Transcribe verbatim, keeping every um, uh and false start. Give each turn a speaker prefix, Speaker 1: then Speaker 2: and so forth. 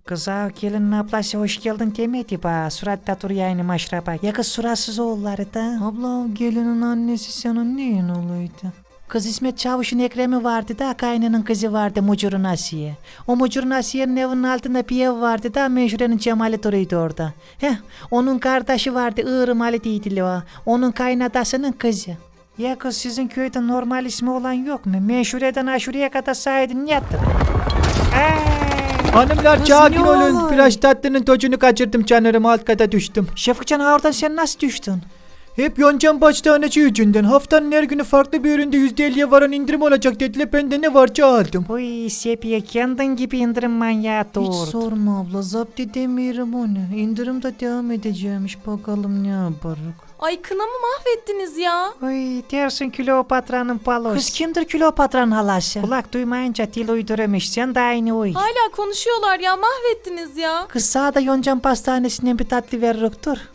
Speaker 1: Kıza gelinin ablası hoş geldin demedi ba. Suratta dur yani maşrapa. Ya kız suratsız oğulları da. Abla gelinin annesi senin neyin olaydı? Kız İsmet Çavuş'un Ekrem'i vardı da kaynının kızı vardı Mucur'un Asiye. O Mucur'un Asiye'nin evinin altında bir ev vardı da Menşure'nin Cemali duruyordu orada. Heh, onun kardeşi vardı Iğrım Ali değildi o. Onun kaynadasının kızı. Ya kız sizin köyde normal ismi olan yok mu? Menşure'den Aşure'ye kadar saydın yattın.
Speaker 2: Hanımlar
Speaker 1: Kız
Speaker 2: sakin
Speaker 1: ne
Speaker 2: olun.
Speaker 1: olay?
Speaker 2: Biraz tatlının tozunu kaçırdım canlarım, alt kata düştüm.
Speaker 1: Şefikcan oradan sen nasıl düştün?
Speaker 2: Hep Yoncan Pastaneci yüzünden. Haftanın her günü farklı bir üründe yüzde elliye varan indirim olacak dediler. Ben de ne varsa aldım.
Speaker 1: Uy Sepiye kendin gibi indirim manyağı doğurdu.
Speaker 2: Hiç sorma abla, zapt edemiyorum onu. İndirim de devam edeceğimiş, bakalım ne yaparız.
Speaker 3: Ay kınamı mahvettiniz ya.
Speaker 1: Uy dersin Kleopatra'nın palosu. Kız kimdir Kleopatra'nın halası? Kulak duymayınca dil uyduramış. Sen de aynı uy.
Speaker 3: Hala konuşuyorlar ya, mahvettiniz ya.
Speaker 1: Kız sağda Yoncan Pastanesi'nden bir tatlı veririk dur.